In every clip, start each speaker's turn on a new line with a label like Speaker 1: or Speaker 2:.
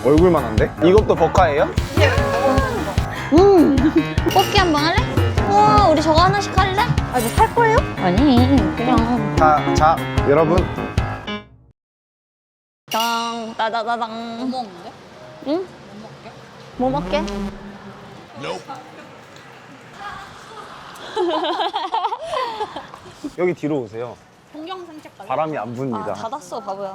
Speaker 1: 얼굴만 한데? 이것도 버카예요?
Speaker 2: 뽑기 한번 할래? 우와, 우리 저거 하나씩 할래? 아, 이거 살 거예요? 아니, 그냥.
Speaker 1: 자, 여러분.
Speaker 2: 땅, 따다다당.
Speaker 3: 뭐 먹는데?
Speaker 2: 응? 뭐 먹게?
Speaker 1: 여기 뒤로 오세요.
Speaker 3: 동영 산책 갈래?
Speaker 1: 바람이 안 붑니다.
Speaker 2: 아, 닫았어, 바보야.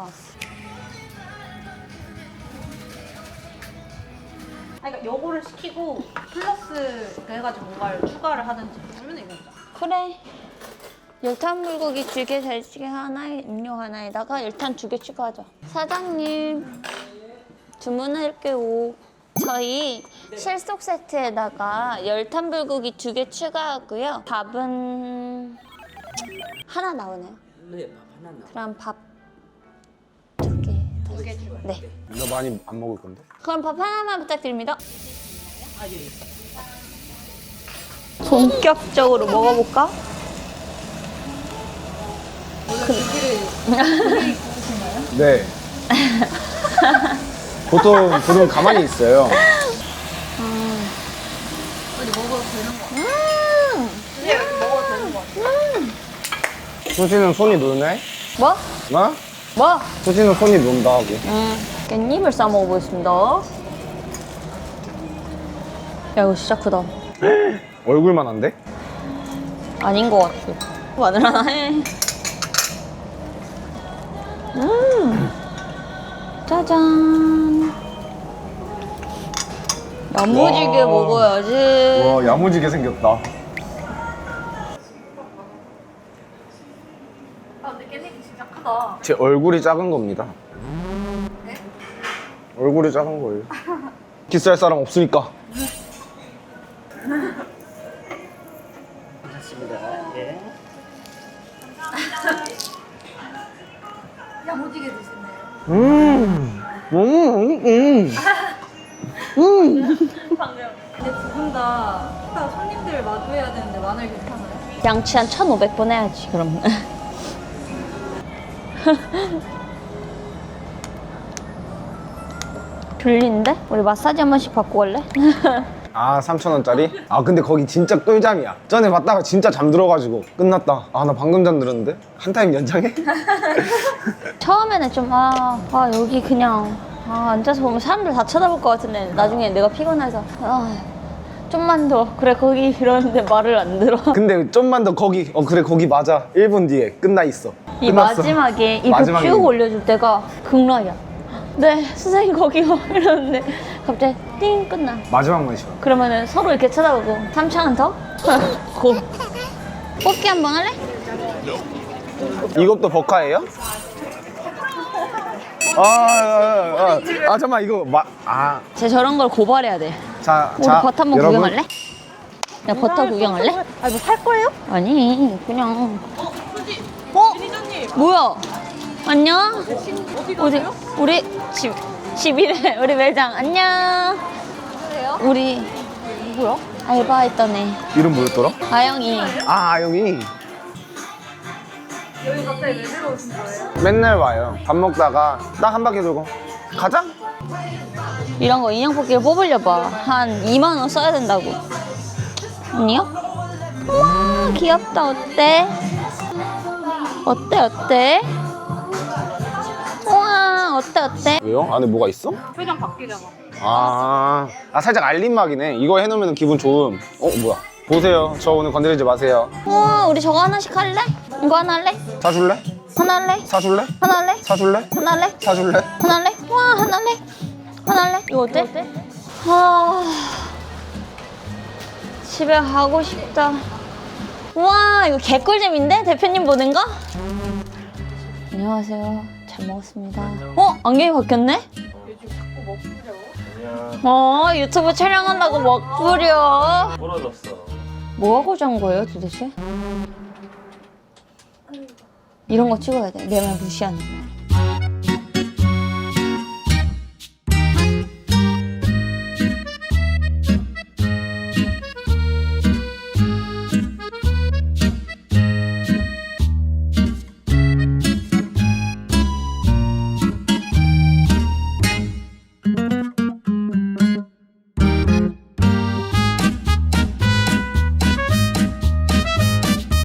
Speaker 3: 그러니까 요거를 시키고 플러스 해가지고 뭔가를 추가를 하든지 아니면 이거 먹자.
Speaker 2: 그래. 열탄 불고기 2개, 대찌개 하나에 음료 하나에다가 열탄 2개 추가하죠. 사장님, 주문할게요. 저희 실속 세트에다가 열탄 불고기 2개 추가하고요. 밥은 하나 나오네요.
Speaker 4: 네, 밥 하나 나.
Speaker 2: 그럼 밥 2개.
Speaker 3: 2개 추가.
Speaker 2: 네.
Speaker 1: 너 많이 안 먹을 건데?
Speaker 2: 그럼 밥 하나만 부탁드립니다. 본격적으로 먹어볼까?
Speaker 1: 네. 보통 가만히 있어요.
Speaker 3: 어디 먹어도 되는 거 같아. 이제 먹어도 되는 거 같아.
Speaker 1: 수지는 손이 노네?
Speaker 2: 뭐?
Speaker 1: 뭐?
Speaker 2: 뭐?
Speaker 1: 수지는 손이 논다 하고.
Speaker 2: 깻잎을 싸 먹어보겠습니다. 야, 이거 진짜 크다.
Speaker 1: 얼굴만 한데?
Speaker 2: 아닌 것 같아. 마늘 하나 해. 짜잔. 야무지게
Speaker 1: 와.
Speaker 2: 먹어야지.
Speaker 1: 와, 야무지게 생겼다.
Speaker 3: 아 근데 깻잎이 진짜 크다.
Speaker 1: 제 얼굴이 작은 겁니다. 얼굴이 작은 거예요. 키스할 사람 없으니까.
Speaker 4: 괜찮습니다. 예.
Speaker 3: 야무지게 드시네요. 방금. 근데 두 분 다 손님들 마주해야 되는데 마늘 괜찮아요?
Speaker 2: 양치 한 1,500번 해야지, 그럼. 졸린데? 우리 마사지 한 번씩 받고 갈래?
Speaker 1: 아, 3,000원짜리? 아, 근데 거기 진짜 꿀잠이야. 전에 봤다가 진짜 잠들어가지고 끝났다. 아, 나 방금 잠들었는데? 한 타임 연장해?
Speaker 2: 처음에는 좀, 여기 그냥, 앉아서 보면 사람들 다 쳐다볼 것 같은데, 나중에 내가 피곤해서, 좀만 더. 그래, 거기 이러는데 말을 안 들어.
Speaker 1: 근데 좀만 더 거기, 그래, 거기 맞아. 1분 뒤에 끝나 있어.
Speaker 2: 이
Speaker 1: 끝났어.
Speaker 2: 마지막에 입을
Speaker 1: 마지막에
Speaker 2: 쭉 올려줄 때가 극락이야. 네, 선생님 거기요. 이러는데 갑자기 띵 끝나.
Speaker 1: 마지막만 쉬어.
Speaker 2: 그러면은 서로 이렇게 쳐다보고 3,000원 더? 고. 뽑기 한번 할래?
Speaker 1: 이것도 버카예요? 잠깐만, 이거
Speaker 2: 쟤 저런 걸 고발해야 돼. 우리 버터 한번
Speaker 1: 여러분.
Speaker 2: 구경할래? 야, 버터 구경할래?
Speaker 3: 아 이거 살 거예요?
Speaker 2: 아니, 그냥. 뭐야? 안녕? 우리 집이래. 우리 매장. 안녕. 우리
Speaker 3: 누구야?
Speaker 2: 알바했던 애.
Speaker 1: 이름 뭐였더라?
Speaker 2: 아영이.
Speaker 1: 아영이.
Speaker 3: 여기 갑자기 왜 들어오신 거예요?
Speaker 1: 맨날 와요. 밥 먹다가 딱 한 바퀴 돌고 가자?
Speaker 2: 이런 거 인형 뽑기를 뽑으려봐. 한 2만 원 써야 된다고. 아니요? 우와, 귀엽다. 어때? 어때? 우와, 어때?
Speaker 1: 왜요? 안에 뭐가 있어?
Speaker 3: 표정 바뀌잖아.
Speaker 1: 살짝 알림막이네. 이거 해놓으면 기분 좋음. 뭐야? 보세요. 저 오늘 건드리지 마세요.
Speaker 2: 우와, 우리 저거 하나씩 할래? 이거 하나 할래?
Speaker 1: 사줄래?
Speaker 2: 하나 할래?
Speaker 1: 사줄래?
Speaker 2: 하나 할래?
Speaker 1: 사줄래?
Speaker 2: 하나 할래?
Speaker 1: 사줄래?
Speaker 2: 하나 할래? 와, 하나 할래? 하나 할래? 이거 어때? 집에 가고 싶다. 우와, 이거 개꿀잼인데? 대표님 보는 거? 안녕하세요. 잘 먹었습니다. 안경이 바뀌었네? 유튜브 촬영한다고 먹부려.
Speaker 4: 부러졌어.
Speaker 2: 뭐 하고자 한 거예요, 도대체? 이런 거 찍어야 돼. 내 말 무시하는 거.